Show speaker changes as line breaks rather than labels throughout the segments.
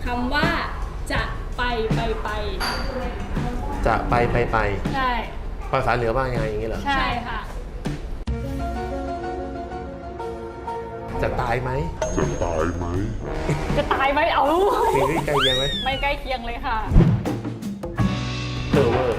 คำว่าจะไป
จะไป
ใช่
ภาษาเหนือว่าไงอย่างนี้เหรอ
ใช่ค่ะ
จะตายไหม
จะตายไหมเอา
มีใกล้เคียงไหม
ไม่ใกล้เคียงเลยค่ะ
เออเวอร์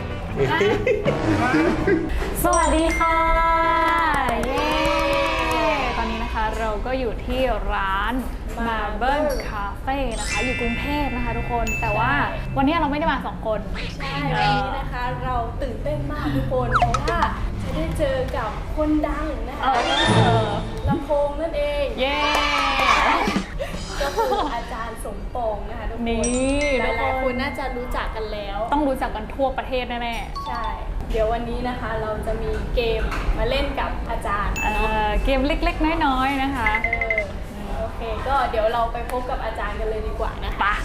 สวัสดีค่ะเย้ตอนนี้นะคะเราก็อยู่ที่ร้าน Marble Cafe นะคะอยู่กรุงเทพนะคะทุกคนแต่ว่าวันนี้เราไม่ได้มา2 คน
ใช่วันนี้นะคะเราตื่นเต้นมากทุกคนเพราะว่าจะได้เจอกับคนดังนะคะลำโพงนั่นเอง
เย้
ก็คืออาจารย์สมปองนะคะทุกคน
นี่
หลายๆคนน่าจะรู้จักกันแล้ว
ต้องรู้จักกันทั่วประเทศแน่
ใช่เดี๋ยววันนี้นะคะเราจะมีเกมมาเล่นกับอาจารย์
ๆ
เนาะ
เกมเล็กๆน้อยๆนะคะ
โอเคก็เดี๋ยวเราไปพบกับอาจารย์กันเลยดีกว่านะคะ
ปะ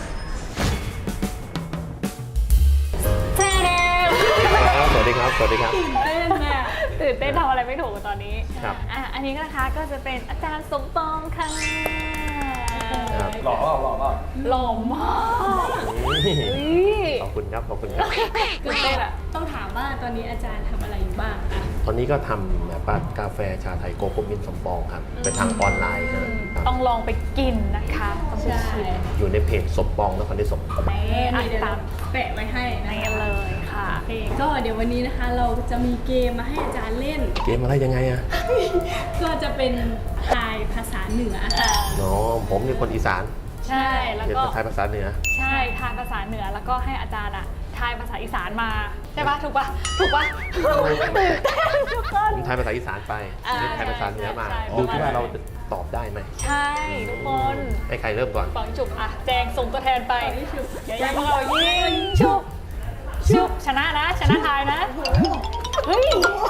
เท่เด้อ
สวัสดีครับ สวัสดีครับ
ตื่นเต้นน่ะตื่นเต้นทำอะไรไม่ถูกตอนนี้
ครับ
อันนี้นะคะก็จะเป็นอาจารย์สมปองค่ะ
ครับ
หล่อเปล่าหล่อเปล่า
หล่อมากอุ๊ย
ขอบคุณครับ ขอบคุณครับ
ตื่นเต้นอะ
ต้องถามว่าตอนนี้อาจารย์ทำอะไรอยู่บ้างอะ
ตอนนี้ก็ทำแบบว่ากาแฟชาไทยโกโก้มินสมปองครับเป็นทางออนไลน์ครับ
ต้องลองไปกินนะคะต้องไปชิม
อยู่ในเพจสมปองนครได้สม
นี่อ่ะ
เดี๋ยว
ตา
เรา
ม
แปะไว้ให้นะ
นี่
คะ
เลยค่ะ
โอเคก็เดี๋ยววันนี้นะคะเราจะมีเกมมาให้อาจารย์เล่น
เกมอะไรยังไงอะ
ก็จะเป็นทายภาษาเหนือ
น้องผมเป็นคนอีสาน
ใช่แล้ว
เรียน
ก็
ไทยภาษาเหนือ
ใช่ทายภาษาเหนือแล้วก็ให้อาจารย์อะทายภาษาอีสานมาใช่ปะถูกปะถูกปะตื่นเต้นทุกคน
ผมไทยภาษาอีสานไป
อ่า
เรียนไทยภาษาเหนือมา
ใช่
ดูที่ว่าเราจะตอบได้ไหม
ใช่ทุกคน
ให้ใครเริ่มก่อน
ฝังจุบอะแจงส่งตัวแทนไปอย่ายังเรายิงชุบชุบชนะนะชนะทายนะเฮ้ย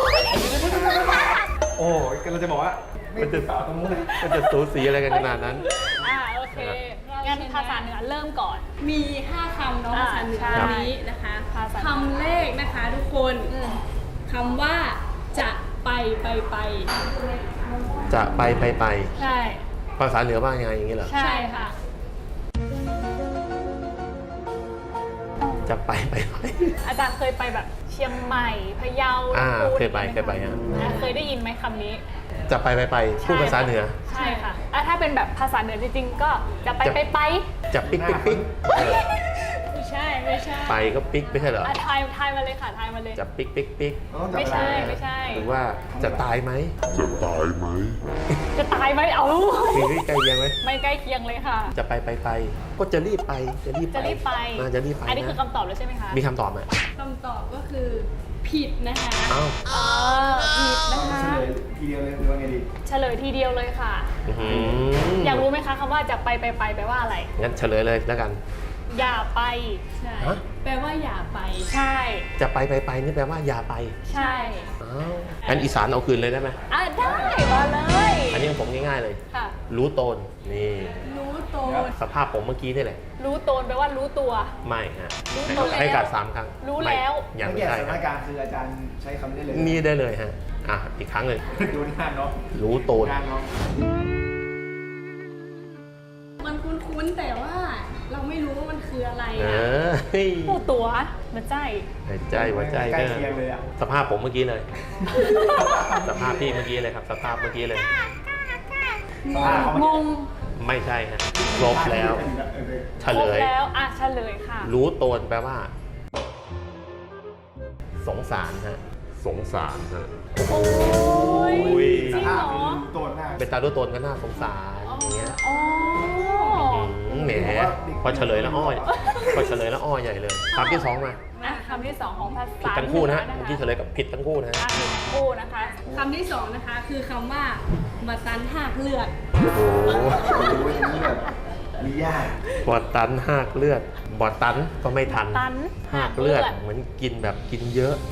โอ้ยกำลังจะบอกว่าไม่ติดต่อตรงนู้นเลย
มันจะสูสีอะไรกันขนาดนั้น
โอเคงั้นภาษาเหนือเริ่มก่อน
มี 5 คำเนาะ
อ่า
ภาษาเหนือ
ใช่
วันนี้นะคะ
ภาษา
คำแรกนะคะทุกคนคำว่าจะไป
จะไป
ใช่
ภาษาเหนือว่าไงอย่างนี้เหรอ
ใช่ค่ะ
จะไป
อาจารย์เคยไปแบบเชียงใหม่พะเยา
เคยไปฮะ
เคยได้ยินไหมคำนี้
จะไปพูดภาษาเหนือ
ใช่ค่ะถ้าเป็นแบบภาษาเหนือจริงๆก็จะไป
จะปิ๊ก
ไม่ใช่ไม่ใช่
ไปก็ปิ๊กไม่ใช่เหรอ
ทายมาเลยค่ะทายมาเลย
จะปิ๊ก
ไม่ใช่ไม่ใช่
หรือว่าจะตายไหม
จะตายไหมเอา
มีใกล้เคียงไหม
ไม่ใกล้เคียงเลยค่ะ
จะไปก็จะรีบไปจะรีบ
จะรีบไป
จะรีบไป
อันนี้คือคำตอบแล้วใช่ไหมคะ
มีคำตอบไหม
คำตอบก็คือผิดนะคะ
อ้าว
ผิดนะคะ
เฉลยทีเดียวเลยหรือว่าไงดี
เฉลยทีเดียวเลยค่ะ อยากรู้ไหมคะคำว่าจะไปแปลว่าอะไร
งั้นเฉลยเลยแล้วกัน
อย่าไป
ใช่
ฮะ
แปลว่าอย่าไป
ใช่
จะไปนี่แปลว่าอย่าไป
ใช่
อ้าวงั้นอีสานเอาคืนเลยได้ไหม
ได้มาเลย
อันนี้ของผมง่ายๆเลย
ค่ะ
รู้ตนนี่
รู้โตน
สภาพผมเมื่อกี้นี่แหละ
รู้ตนแปลว่ารู้ตัว
ไม่ฮะ
รู้ตัวแล้ว
ให้การ3 ครั้ง
รู้แล้ว
ไม่ยัง
ไม่
ไม่
แก่
ใช่
ส
ค
ถา
รับ
นการณ์คืออาจารย์ใช้คำนี้เลย
นี่ได้เลยฮะอีกครั้งเลย
ดูหน้าเนาะ
รู้ตน
งานเนาะ
มันคุ้นๆแต่ว่าเราไม่รู้ว่ามันคืออะไร
เอ
อะ
อเฮ้ย
ผู้ตัวมันใจ
หัวใจ
ใกล้
ก็
เคียงเลยอ่ะ
สภาพผมเมื่อกี้เลย สภาพพี่เมื่อกี้เลยครับ สภาพเมื่อกี้เลย
งง
ไม่ใช่ฮะครบแล้วเฉ
คร
ล
บ
ย
แล้วเฉลยค่ะ
รู้ตนแปลว่า สงสารฮะสงสารฮะ
โอ้ย
อุ้ย
จริงเหรอ
ตัวหน้า
เป็นตารู้ตนก็น่าสงสารอย่างเงี้ย
อ๋อ
แหมพอเฉลยแล้วอ้อยพอเฉลยแล้วอ้อยใหญ่เลยคำที่ 2 มา
คำที่ 2 ของภา
ผิด
ษา
ทั้งคู่นะฮะ
เห
เมื่อกี้เฉลยกับผิดทั้งคู่นะฮะ
ผิดทั้งคู่นะคะ
คำที่ 2 นะคะ คือคำว่ามาตันหากเลือด
โอ้โห
โอ้ยนี่แบบมียาก
บอดตันหากเลือดบอดตันก็ไม่ทัน
ตัน
หากเลือดเหมือนกินแบบกินเยอะ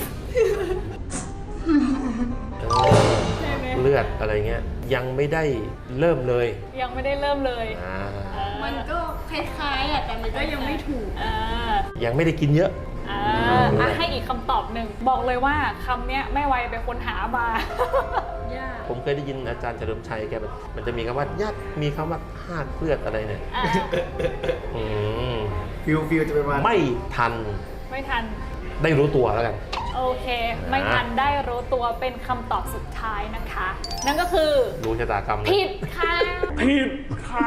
เลือดอะไรเงี้ยยังไม่ได้เริ่มเลย
ยังไม่ได้เริ่มเลย
มันก็คล้ายๆอะแต่มันก็ยังไม่ถูก
ยังไม่ได้กินเยอะ
ให้อีกคำตอบหนึ่งบอกเลยว่าคำเนี้ยแม่วัยเป็นคนหามา
ยาก
ผมเคยได้ยินอาจารย์เฉลิมชัยแกมันจะมีคำว่ายากมีคำว่าหากเลือดอะไรเนี่ย
อ่ะ
อืม
ฟิลจะเป็นประมาณ
ไม่ทัน
ไม่ทัน
ได้รู้ตัวแล้วกัน
โอเค ไม่ทันได้รู้ตัวเป็นคำตอบสุดท้ายนะคะ นั่นก็คือ
รู้ชะตากรรมเลย
ผิดค่ะ
ผิดค่ะ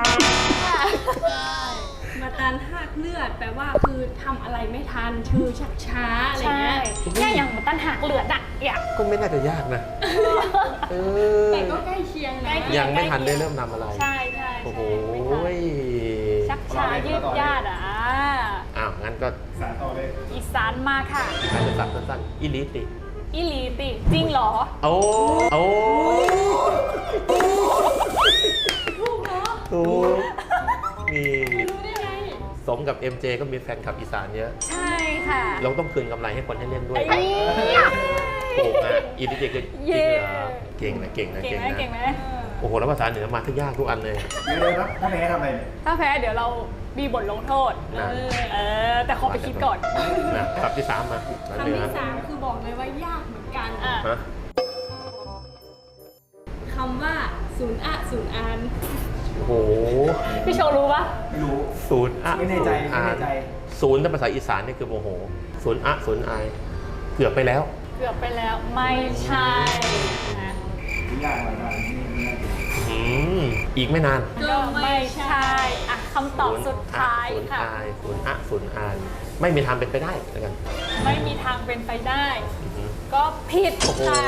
มาตันหักเลือดแปลว่าคือทำอะไรไม่ทันชื่อชักช้าอะไร
ใช่
เงี้ย
เนี่ยอย่างเหมือนตั้นหักเหลือดอะอยาก
ก็ไม่น่าจะยากนะเออ
แต่ก็ใกล้เคียงนะ
ยังไม่ทันได้เริ่มทำอะไร
ใช่ใช่
โอ้โห
ชักช้ายืดยาดอ่ะ
อ้าวงั้นก็
สารต่อเลย
อีสานมาค่ะ
อาจจะสับสั้นๆอิลิติ
อีหลีติจริงเหรอ
โอ้โอ้
ถูกเหรอ
ถูกนี่
รู้ได้ไง
สมกับ MJ ก็มีแฟนคลับอีสานเยอะ
ใช่ค่ะ
เราต้องคืนกำไรให้คนให้เล่นด้วย
ไอ้
ถูกนะอิลิติคือจริงเหรอเก่งนะเก่งนะ
เก่งไหม
นะ
เก่งไหม
โอ้โหแล้วภาษาเหนือมาทุกยากทุกอันเลย
เดี๋ยวครับถ้าแพ้ทำอะไรเนี่ย
ถ้าแพ้เดี๋ยวเรามีบทลงโทษ
นะ
แต่ขอไปคิดก่อน
นะคำที่สามมาแล้ว
คำ
เหนือ
ที่ 3 คือบอกเลยว่ายากเหมือนกัน
อ่ะ
ฮะ
คำว่าศูนย์อะศูนย์อัน
โอ้โห
พี่โชว์รู้ปะ
ไม่รู้
ศูนย์อะ
ไม่แน่ใจไม่แน่ใจ
ศูนย์ในภาษาอีสานนี่คือโมโหศูนย์อะศูนย์ไอเกือบไปแล้ว
เกือบไปแล้วไม่ใช่นะ
ไม่ยากหรอกนะนี่
อืมอีกไม่นาน
ก็ไม่ใช่อ่ะคำตอบสุดท้าย
ศูนย์
ค่ะ
ไอศูนย์อะศูนย์ไอไม่มีทางเป็นไปได้แล้วกัน
ไม่มีทางเป็นไปได้
อือหือ
ก็ผิด
โอ้โห
ค่ะ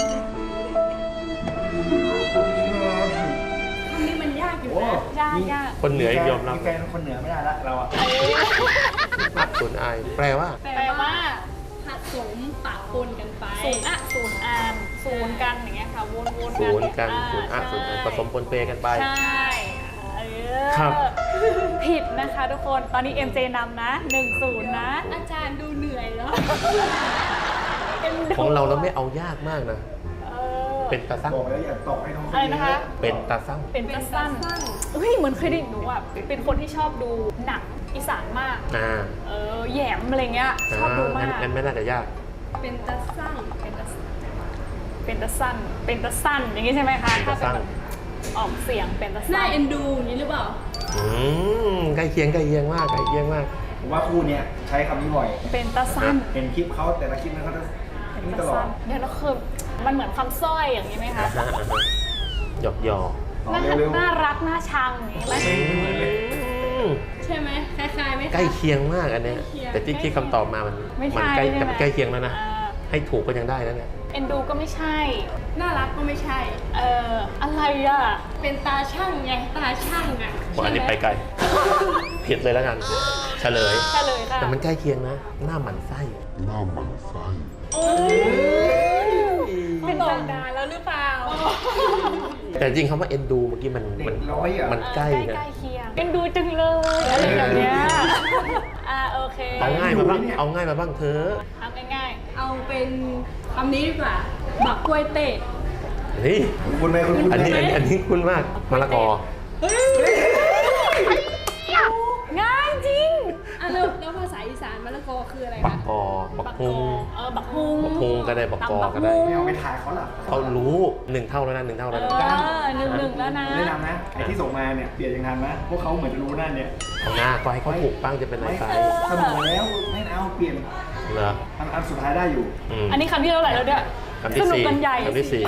คำนี้มันยากอยู่
โอ้
นะ
ยากยาก
คนเหนือยอมรับ
มีแฟนคนเหนือไม่ได้ละเราอะ
อะศูนย์ไอแปลว่า
แปลว่า
ผสมปะปนกันไป
ศูนย์อะศูนย์อานศูนย์กันอย่างเงี้ยค่ะวนๆ
ศูนย์กัน
อ่า
ศูนย์อะศูนย์ไอผสมปนเปกันไป
ใช่เออ
ครับ
ผิดนะคะทุกคนตอนนี้ MJ นำนะ 1-0 นะ
อาจารย์ดูเหนื่อยแล้ว
ของเราไม่เอายากมากนะ
เออ
เป็นตาสั้ง
บอกแล้วอย่าตกให้น้อง
อะไรนะคะ
เป็นตาสั้ง
เป็นตาสั้นเฮ้ยเหมือนเคยได้ยินหนูอ่ะเป็นคนที่ชอบดูหนังอีสานมาก
อ่า
แหยมอะไรเงี้ยชอบดูมาก
งั้นไม่น่าจะยาก
เป็นตาสั่ง
เป็นตาสั้นเป็นตาสั้นอย่างงี้ใช่ไหมคะ
เป็นตาสั้น
ถ้าเป็นแบบออกเสียงเป็นตา
ห
สั้
น้าน เอ็นดูอย่างนี้หรือเปล่า
อืมใกล้เคียงมากใกล้เคียงมาก
ผมว่าคู่เนี้ยใช้คำนี้บ่อย
เป็นตาสั้น
เห็นคลิปเขาแต่ละคลิปนั้นเขาจะ
เป็น
นี่
ตา
ตลอ
สั้
ด
นเดี๋ยวเราคือมันเหมือนคำสร้อยอย่างนี้ไหมคะ
หยอก
อ๋อ
น่า
เร็ว
น่ารักน่าชังอย่างนี้ไหม
ใช่ไหมคล้ายๆไหมคะ
ใกล้เคียงมากอันเนี้ย
ใกล้เคียง
แต่ที่คำตอบมามัน
ไม่
มั
ใช่
ใกล้
ใช่
แต่
ไหม
มันใกล้เคียงแล้วนะ
อ่า
ให้ถูกก็ยังได้แล้วเนี่ย
เอ็นดูก็ไม่ใช่
น่ารักก็ไม่ใช่
อะไรอ่ะ
เป็นตาช่างไงตาช่างอ่ะ
อันนี้ไปไกลผิดเลยแล้วกัน เฉลย
ใช่เลยค่ะ
แต่มันใกล้เคียงนะ หน้าหมันไส้
เป็น
ต
ตาก
นานแล้วหรือเปล่า
แต่จริงคำว่าเอ็นดูเมื่อกี้มัน
เด็กร้อยอ่ะ
มันใกล้
ใก
นะ
ล้เคียงเอ็นดูจังเลยอะไรแบบเนี้ยโอเค
เอาง่ายมาบ้างเอาง่ายมาบ้างเธอ
ทำง่าย
เอาเป็นคำนี้ดีกว่า บักกล้วยเตะ
นี่
คุณไหมคุณ
อันนี้คุ้นมากมะละกอ
ๆง่ายจริง
อ่ะแล้วภาษาอีสานมะละกอคืออะไร
บั
คะ
กกอบักฮุง
บักฮุง
บักฮุงก็ได้บักกอก็ได้
ไม่เอาไปถ่ายเขาหรอ
เขารู้1 เท่าแล้วนะ1 เท่าแล้วนะ
หนึ่งแล้วนะ
แนะนำนะไอ้ที่ส่งมาเนี่ยเปลี่ยนยังทันนะพวกเขาเหมือนจะรู้นั่นเนี่ย
เอาหน้าก็ให้เขาถูกบ้างจะเป็นไร
ไม่
ไป
เสมอแล้วไม่เอาเปลี่ยน
เหรอ
อันสุดท้ายได้อยู่
ม
อันนี้คำที่เท่าไหร่แล้วเนี่ย
คำที่
สนุก
สี่
กันใหญ่
คำที่สี่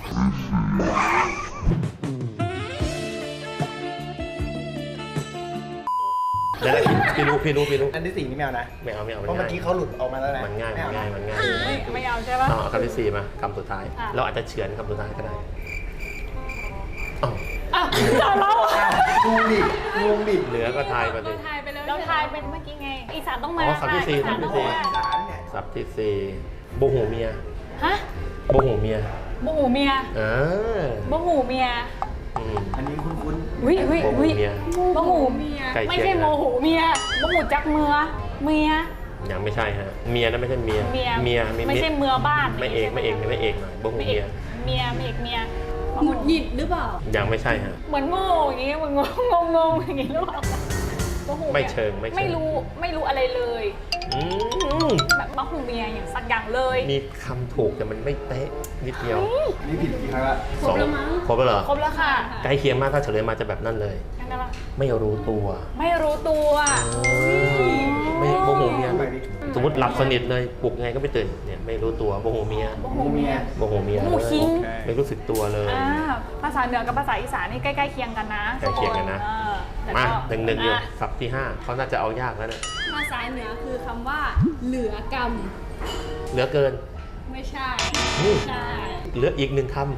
เดี๋ยวนะพี่รู้
อันที่สี่นี่ไม่เอานะ
ไม่เอา
เพ
มัน
ราะเมื่อ
ง่าย
กี้เขาหลุดออกมาแล้วนะ
มันง่าย
ไเอาะ
มันง่าย
ไม่เอาใช่ปะ
เอาคำที่สี่มาคำสุดท้าย
อ่ะ
เราอาจจะเฉือนคำสุดท้ายก็ได้อ้าว
อ่ะจะเล่า
งงดิงงดิ
เหลือก็ทายมาดิ
เราทายไปแล้ว
เราทายเป็นเมื่อกี้ไง อีสานต้องมา
อ๋อคำที่สี่
อีสาน
คำที่
ต้อง
สี่
มา
สารเนี่ย
ศัพท์ที่สี่โบหูเมีย
ฮะ
โบหูเมีย
โมโหเมีย
เออ
โมโหเมีย
อืม
อันนี้คุ้น
วิวิ
โมโห
วิ
เมีย
โมโห
เมีย
ไก่
ไม่
เคีย
ใช่
ง
โม
นะ
โหเมียโมโหจักเมือเมีย
ยังไม่ใช่ฮะเมียนะไม่ใช่เมีย
เมีย
เมีย
ไม่ใช่เมือบ้าน
ไม่เอกหน่อยโบหู
ไม่เอ
เมี
ก
ย
เมียไม่เอกเมีย
หงุดหงิดหรือเปล่า
ยังไม่ใช่ฮะ
เหมือนโง่อย่างงี้เหมือนงงอย่างงี้หรือเปล่าโอ้โห
ไม่เชิง
ไม่รู้อะไรเลย
อืม
แบบมะฮูเมียอย่างสักอย่างเลย
มีคำถูกแต่มันไม่เป๊ะนิดเดียว
นี่ผิดกี่ครั้งละ
สองครบแล้วเหรอ
ครบแล้วค่ะ
ใกล้เคียงมากถ้าเฉลยมาจะแบบนั้นเลย
ยังไงล่ะ
ไม่รู้ตัว
ไม่รู้ตัว
ไม่โมโหเมีย
ไปดิ
สมมติหลับสนิทเลยปลุกไงก็ไม่ตื่นเนี่ยไม่รู้ตัวโมโหเมีย
โมโหเมีย
โมโหเมีย
โมโหคิง
ไม่รู้สึกตัวเลย
ภาษาเหนือกับภาษาอีสานนี่ใกล้ๆเคียงกันนะ
ใกล้เคียงกันนะ
แต่
มา
ก็
หนึ่งอยู่ศัพท์ที่ 5เขาน่าจะเอายากแล้วเนี่ย
ภาษาเหนือคือคำว่า เหลือกรรม
เหลือเกิน
ไม่ใช่
นี่
ใช่
เหลืออีกหนึ่งคำ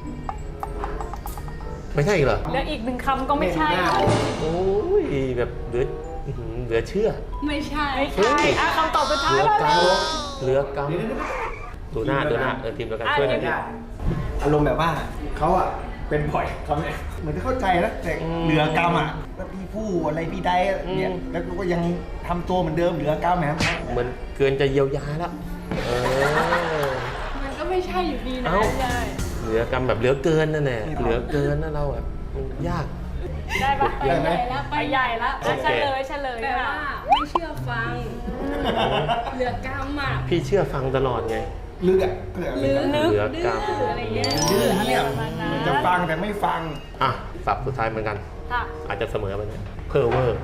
ไม่ใช่อีกเหรอ
แล้วอีกหนึ่งคำก็ไม่ใช่
โอ้ยแบบเหลือเชื่อ
ไม่ใช่
ไม่ใช่คำตอบสุด
เห
ท้าย
ลือ
แล้ว
ก
นะ
ำเหลือกำดูหน้าทีมเดียวกันช่วยหน่อยดิ
อารมณ์แบบว่าเขาอ่ะเป็นบ่อยเขาเนี่ยเหมือนจะเข้าใจนะแต่เหลือกรรมอ่ะแล้วพี่ผู้อะไรพี่ใดเนี่ยแล้วก็ยังทำตัวเหมือนเดิมเหลือกรรมนะครับ
เหมือนเกินจะเยียวยาแล้วอ
มันก็ไม่ใช่อยู่ดีนะ
เอ้า
ใช่
เหลือกรรมแบบเหลือเกินนั่นแหละเหลือเกินนั่นเราแบบมันยาก
ได้ปะ
ไปใหญ่แล้ว
ไปใหญ่แล้ว
โอเค
เฉลย
แปล
ค่ะ
ว่าไม่เชื่อฟัง เหลือกรรมอ่ะ
พี่เชื่อฟังตลอดไง
ลึกอ่ะก็เลย
ลึก
เหลือกรรม
ดื้ออะไรเงี้ย
ดื้อ
อะไร
เนี่ย
ประมาณนั้น
จะฟังแต่ไม่ฟัง
อ่ะสับสุดท้ายเหมือนกัน
ค่ะ
อาจจะเสมอไปเนี่ยเพอเวอร์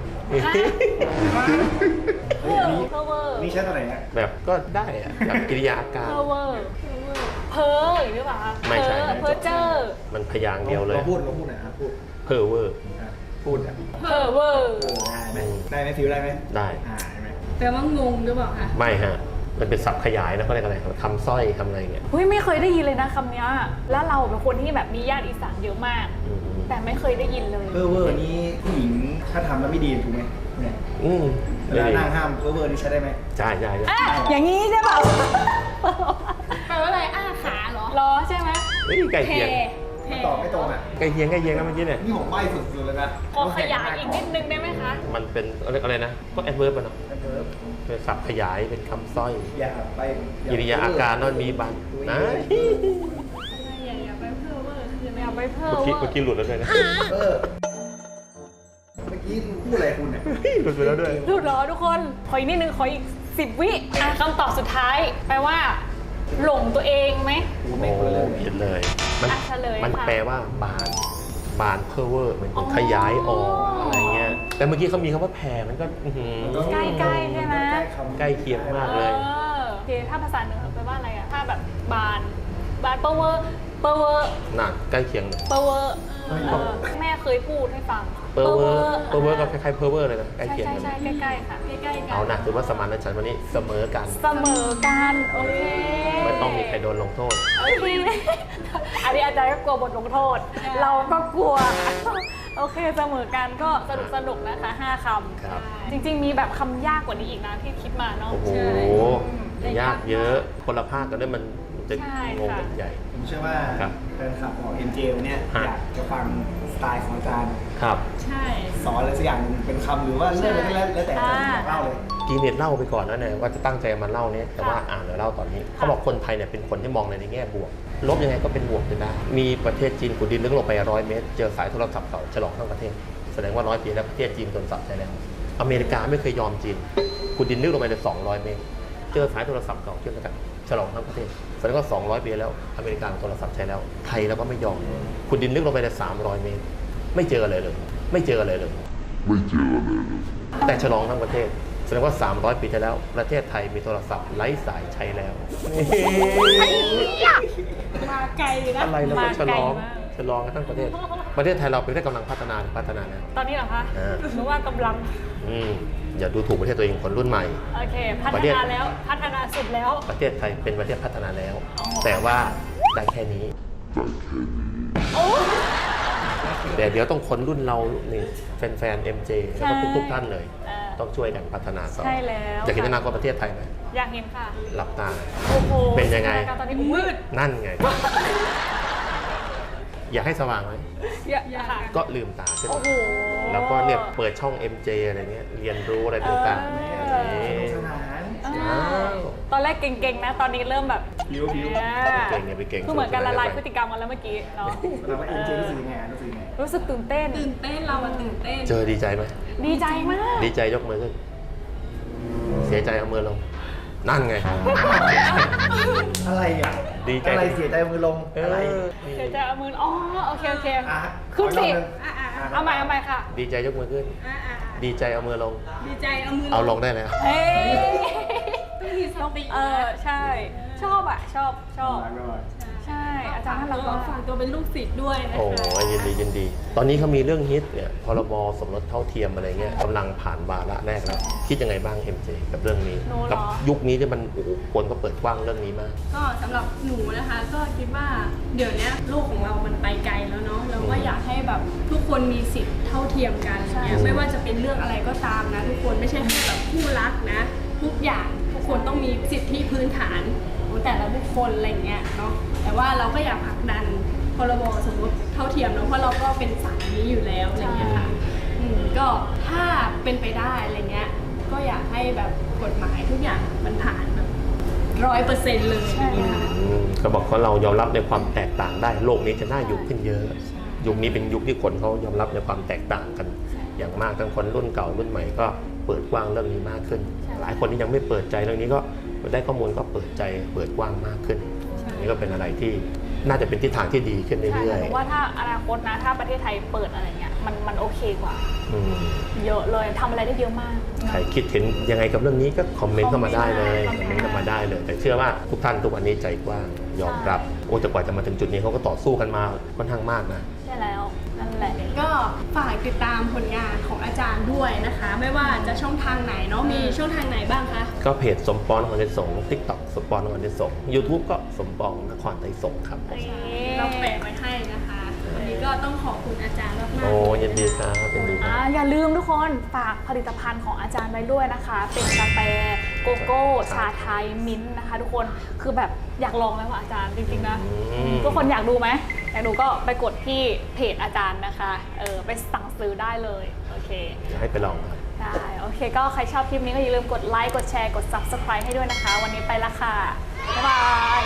เพอเวอร์
นี่ใช่ตัวไหนฮะ
แบบก็ได้อะแบบกิริยาอาการ
เพอเวอร์เพอหรือเปล่าคะ
ไม่ใช่
เพอเจอร์
มันพยางค์เดียวเลย
เราพูดหน่อยครับพูด
เพอเวอร์
พูดอ่ะ
เพอเวอร์
ได้ไหมได้ไหมฟิวได้ไหม
ได้
ใช่ไหม
แปลว่างงหรือเปล่าคะ
ไม่ฮะ มันเป็นศัพท์ขยายนะเขาเรียกอะไรคำสร้อยคำอะไรเงี้ย
เฮ้ยไม่เคยได้ยินเลยนะคำเนี้ยแล้วเราเป็นคนที่แบบมีญาติอีสานเยอะมาก
อืม
แต่ไม่เคยได้ยินเลย
เพ้อเวอร์นี้ผู้หญิงถ้าทำแล้วไม่ดีถูกไหมเนี่ย
อืม
เวลานั่งห้ามเพ้อเวอร์นี่ใช้ได้ไหม
ใช่ใช่
อ่ะอย่างนี้ใช่เปล่า
แปลว่าอะไรอ้าขาเหรอ
รอใช่ไหม
เฮ้ยใกล้เคียง
ไม่ตอบไม่ตรงอ่ะ
ใกล้เคียงนะเมื่อกี้เนี่ย
นี่ผมใบ้สุดๆเลยนะ
ขอขยายอีกนิดนึงได้ไหมคะ
มันเป็นอะไรนะก็แอดเวิร์บอะเนาะเป็นศัพท์ขยายเป็นคำสร้อย
อย่าไป
กิริยาอาการนั่นมีบันนะ
อย่าไปเพ้อเวอร์คือ
ไม่เอาไปเพิ่ม
เมื่อกี้หลุดแล้วด้วยนะ
เออเมื่อกี้พูดอะไรคุณเนี่ย
หลุดไปแล้วด้วย
ดูรอทุกคน ขออีกนิดนึง ขออีก 10 วิอ่ะคำตอบสุดท้าย แปลว่า หลงตัวเองไหม
โอ้ผิดเลย มัน
อ่ะเฉลย
มัน
ค่ะ
แปลว่าบานเพอเวอร์มันขยายออกอะไรเงี้ย แต่เมื่อกี้เขามีคำว่าแผ่มันก็อื้อหือ
ใกล้ๆใช่ไหม
ใกล้เคียงมาก
เอ
เลย
อโอเคถ้าภาษาเหนือแปลว่าอะไรอะถ้าแบบบานเปอร์เวอร์เปอร์เวอร์
น่ะใกล้เคียงเลย
เปอร์เวอร์แม่เคยพูดให้ฟัง
เพอเวอร์ก็คล้ายๆเพอเวอร์เลยนะใกล้
ใช่
เคียง
ใช่
กัน
ใช่ใกล้ๆค่ะใกล้ๆกัน
เอานะถือว่าสมานฉันท์วันนี้เสมอกัน
เสมอกันโอเค
ไม่ต้องมีใครโดนลงโทษ
โอเคอันนี้อาจารย์ก็กลัวบทลงโทษ เราก็กลัว โอเคเสมอกันก็สนุกนะคะ5ค
ครับ
ำจริงๆมีแบบคำยากกว่านี้อีกนะที่คิดมาเนาะ
โอ้โห ยากเยอะ คนละภาคกันด้วยมันจะ
ใช่
งง
ค่ะ
กันใหญ่
ผมเชื่อว่า
ครับ
แฟนคลับของ MJ วันเนี้ย
ฮะ
อยากจะฟังสไตล์ของอาจารย์
ครับ
ใช่
สอนอะไรสักอย่างหนึ่งเป็นคำหรือว่าเรื่องอะไรก็แล้วแต่อาจารย์บอกเล่าเลย
กีเน็ตเล่าไปก่อนนะเนี่ยว่าจะตั้งใจมาเล่าเนี่ยแต่ว่าอ่านหรือเล่าตอนนี้ เขาบอกคนไทยเนี่ยเป็นคนที่มองในแง่บวก ลบยังไงก็เป็นบวกได้ มีประเทศจีนขุดดินลึกลงไป100 เมตร เจอสายโทรศัพท์เก่าฉลองทั้งประเทศ แสดงว่า100 ปีแล้วประเทศจีนโดนสับใช้แล้ว อเมริกาไม่เคยยอมจีนขุดดินลึกลงไปได้200 เมตร เจอสายโทรศัพท์เก่าเชื่อมกันฉลองทั้งประเทศแสดงว่า200 ปีแล้วอเมริกาโทรศัพท์ใช้แล้วไทยเราก็ไม่ยอมขุดดินลึกลงไปได้300 เมตร ไม่เจออะไรเลย ไม่เจออะไรเลย แต่ฉลองทั้งประเทศแสดงว่า 300 ปีที่แล้ว ประเทศไทยมีโทรศัพท์ไร้สายใช้แล้ว
มาไกลนะ
อะไรแล้วก็
มา
ฉ
ไก
ล
ล
อง
มาก
ฉลองกันทั้งประเทศ ประเทศไทยเราเป็นประเทศกำลังพัฒนาแล้ว
ตอนนี้เหรอคะ
อ่า
หรือว่ากำลัง
อย่าดูถูกประเทศตัวเองคนรุ่นใหม่
โอเค พั
ป
ฒ
ระเทศ
นาแล้ว พัฒนาสุดแล้ว
ประเทศไทยเป็นประเทศพัฒนาแล้ว แต่ว่าได้แค่นี้ แต่เดี๋ยวต้องคนรุ่นเรานี่แฟนๆ MJ แล้วก็ทุกๆท่านเลย
เออ
ต้องช่วยกันพัฒนาต่อ
ใช่แล้ว
อยากเห็นอนาคตประเทศไทยไหม
อยากเห็นค่ะ
หลับตา
โอ้โห
เป็นยังไง
สถานการณ์ตอนนี้มืด
นั่นไง อยากให้สว่างไหม
อยากค่ะ
ก็ลืมตาขึ้น
โอ้
มา
โห
แล้วก็เนี่ยเปิดช่อง MJ อะไรเงี้ยเรียนรู้อะไรต่างๆ
เออ
นี่
สนาน
อ้าว
ตอนแรกเก่งๆนะ ตอนนี้เริ่มแบบ
ผิว
เนี่ย
เก่งเนี่ยไปเก่ง
คือเหมือนการละลายพฤ
ติ
ติกรรมกันแล้วเมื่อกี้เนาะ
แสดงว่า MJ รู้สึกยังไงรู้สึกยังไง
รู้สึกตื่นเต้น
ตื่นเต้นเราอะตื่นเต้น
เจอดีใจไหม
ดีใจมาก
ดีใจยกมือขึ้น เสียใจเอามือลง นั่นไง
อะไรอ่ะ
ดีใจ
อะไรเสียใจมือลงอะไร
เดี๋ยวจะเอามืออ๋อโอเคโอเค
อ่ะ
ขึ้นสิ
ขออีกรอบหนึ่ง
เอาใหม่ค่ะ
ดีใจยกมือขึ้น ดีใจเอามือลง
ดีใจเอามือ
เอาลงได้แล้ว
เฮ้ย
ต้องมีสติ
ใช่ ชอบอ่ะ ชอบ
ไม่เป็นไร
ใช่ อาจารย์น่ารัก
ก็
มาก
ฝากตัวเป็นลูกศิษย์ด้วยนะคะ
โอ้ยยินดียินดี ตอนนี้เขามีเรื่องฮิตเนี่ยพรบสมรสเท่าเทียมอะไรเงี้ยกำลังผ่านวาระแรกแล้ว คิดยังไงบ้าง MJ กับเรื่องนี้
หนูเหรอ
กัยุคนี้ที่มันโอ้โหคนก็เปิดกว้างเรื่องนี้มาก
ก็สำหรับหนูนะคะ ก็คิดว่าเดี๋ยวนี้โลกของเรามันไปไกลแล้วเนาะเราก็อยากให้แบบทุกคนมีสิทธิ์เท่าเทียมกันเนี่ยไม่ว่าจะเป็นเรื่องอะไรก็ตามนะ ทุกคนไม่ใช่แค่แบบคู่รักนะ ทุกอย่างทุกคนต้องมีสิทธิพื้นฐานของแต่ละบุคคลอะไรเงี้ยเนาะแต่ว่าเราก็อยากผลักดันพรบสมรสเท่าเทียมเนาะเพราะเราก็เป็นสายนี้อยู่แล้วอะไรเงี้ยค่ะก็ถ้าเป็นไปได้อะไรเงี้ยก็อยากให้แบบกฎหมายทุกอย่างมันผ่านแบบ100%เลยอะไรเงี้ยค่ะ
ก็บอกว่าเรายอมรับในความแตกต่างได้ โลกนี้จะน่าอยู่ขึ้นเยอะ ยุคนี้เป็นยุคที่คนเขายอมรับในความแตกต่างกัน อย่างมากทั้งคนรุ่นเก่ารุ่นใหม่ก็เปิดกว้างเรื่องนี้มากขึ้น หลายคนที่ยังไม่เปิดใจเรื่องนี้ก็ได้ข้อมูลก็เปิดใจเปิดกว้างมากขึ้นอันนี่ก็เป็นอะไรที่น่าจะเป็นทิศทางที่ดีขึ้น
ใช่
เรื่อย
หนูว่าถ้าอนาคตนะ ถ้าประเทศไทยเปิดอะไรเงี้ย มันโอเคกว่า
ๆอืม
เยอะเลยทำอะไรได้เยอะมาก
ใครคิดเห็นยังไงกับเรื่องนี้ก็คอมเมนต์เข้ามาได้เลย
ค
ค
อ
อ
ม
ม
เม
เม
น
น
ต์
ต์เข้ามาได้เลย แต่เชื่อว่าทุกท่านทุกวันนี้ใจกว้างยอมรับโอ้แต่กว่าจะมาถึงจุดนี้เขาก็ต่อสู้กันมาค่อนข้างมากนะ
ใช่แล้ว นั่นแหละ
ก็ฝากติดตามผลงานของอาจารย์ด้วยนะคะ ไม่ว่าจะช่องทางไหนเนาะมีช่องทางไหนบ้างคะ
ก็เพจสมปองนครไทยสงฆ์ TikTok สมปองนครไทยสงฆ์ YouTube ก็สมปองนครไทยสงฆ์ครับ
เราแปะไว้ให้นะคะ วันนี้ก็ต้องขอบคุณอาจารย์มากๆ
โอ้ยินดีครับยินดีครับ
อย่าลืมทุกคนฝากผลิตภัณฑ์ของอาจารย์ไว้ด้วยนะคะ เป็นกาแฟโกโก้ ชาไทยมิ้นท์นะคะ ทุกคนคือแบบอยากลองแล้วอะอาจารย์จริงๆนะ ทุกคนอยากดูไหมอยากดูก็ไปกดที่เพจอาจารย์นะคะไปสั่งซื้อได้เลยโอเค
อยากให้ไปลองครับ
ได้โอเค ก็ใครชอบคลิปนี้ก็อย่าลืมกดไลค์กดแชร์กด subscribe ให้ด้วยนะคะ วันนี้ไปละค่ะบ๊ายบาย